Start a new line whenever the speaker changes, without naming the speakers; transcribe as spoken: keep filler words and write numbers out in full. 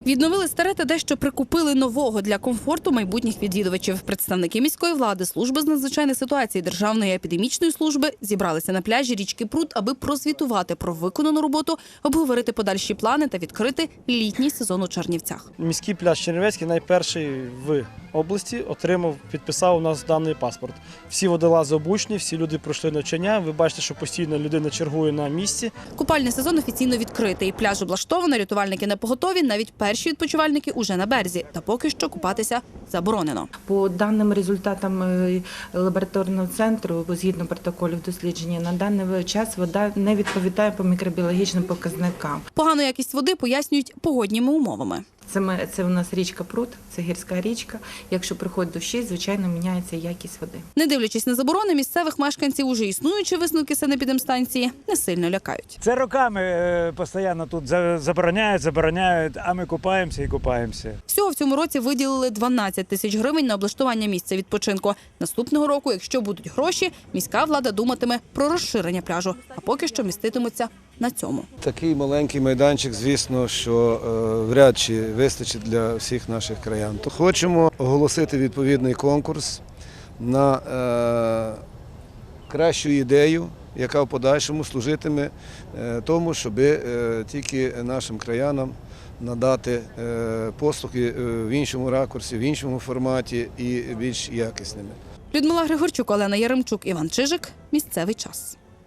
Відновили старе та дещо прикупили нового для комфорту майбутніх відвідувачів. Представники міської влади, служби з надзвичайних ситуацій, Державної епідемічної служби зібралися на пляжі річки Прут, аби прозвітувати про виконану роботу, обговорити подальші плани та відкрити літній сезон у Чернівцях.
Міський пляж Чернівецький найперший в області отримав, підписав у нас даний паспорт. Всі водолази обучені, всі люди пройшли навчання. Ви бачите, що постійно людина чергує на місці.
Купальний сезон офіційно відкритий. Пляж облаштовано, рятувальники на поготові, навіть перші відпочивальники уже на березі. Та поки що купатися заборонено.
По даним результатам лабораторного центру, згідно протоколів дослідження, на даний час вода не відповідає по мікробіологічним показникам.
Погану якість води пояснюють погодніми умовами.
Це, ми, це у нас річка Прут, це гірська річка. Якщо приходить дощі, звичайно, міняється якість води.
Не дивлячись на заборони, місцевих мешканців уже існуючі висновки санепідемстанції не сильно лякають.
Це роками постійно тут забороняють, забороняють, а ми купаємося і купаємося.
Всього в цьому році виділили дванадцять тисяч гривень на облаштування місця відпочинку. Наступного року, якщо будуть гроші, міська влада думатиме про розширення пляжу, а поки що міститиметься на цьому.
Такий маленький майданчик, звісно, що е, вряд чи вистачить для всіх наших краян. То хочемо оголосити відповідний конкурс на е, кращу ідею, яка в подальшому служитиме е, тому, щоб е, тільки нашим краянам надати е, послуги в іншому ракурсі, в іншому форматі і більш якісними.
Людмила Григорчук, Олена Яремчук, Іван Чижик. Місцевий час.